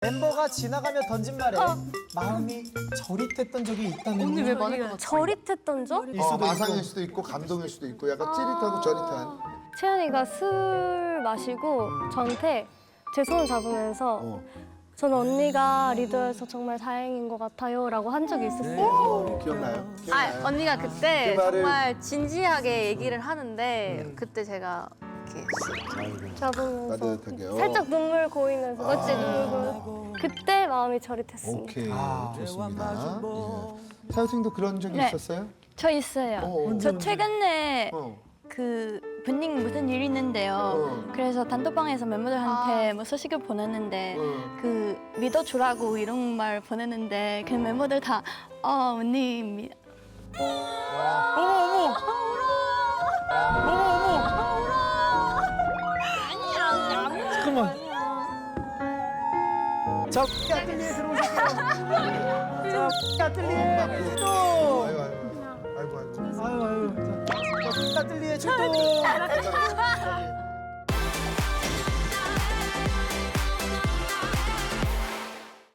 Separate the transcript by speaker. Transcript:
Speaker 1: 멤버가 지나가며 던진 말에 마음이 저릿했던 적이 있다면
Speaker 2: 언니 왜 말할 것 같아?
Speaker 3: 저릿했던 적?
Speaker 4: 마상일 수도 있고 감동일 수도 있고 약간 찌릿하고 저릿한.
Speaker 3: 채연이가 술 마시고 저한테 제 손을 잡으면서 전 언니가 리더여서 정말 다행인 것 같아요 라고 한 적이 있었어요.
Speaker 4: 기억나요?
Speaker 2: 아, 언니가 그때
Speaker 4: 그 말을-
Speaker 2: 정말 진지하게 얘기를 하는데 그때 제가 이렇게
Speaker 3: 잡으면서
Speaker 4: 따뜻하게요.
Speaker 3: 살짝 눈물 고이면서 어찌 눈물 고이면서 그때 마음이 저릿했습니다.
Speaker 4: 오케이, 좋습니다. 예. 사유생도 그런 적이
Speaker 5: 네.
Speaker 4: 있었어요?
Speaker 5: 저 있어요. 저 최근에
Speaker 4: 어.
Speaker 5: 그 분ning 무슨 일이 있는데요. 그래서 단톡방에서 멤버들한테 뭐 소식을 보냈는데 그 믿어주라고 이런 말 보냈는데 그 멤버들 다 언니
Speaker 1: 잠깐만. 저 아틀리에 들어오실게요. 저 아틀리에 출동.
Speaker 4: 아이고 아이고 아이고 아이고.
Speaker 1: 아유. 저 아틀리에 출동.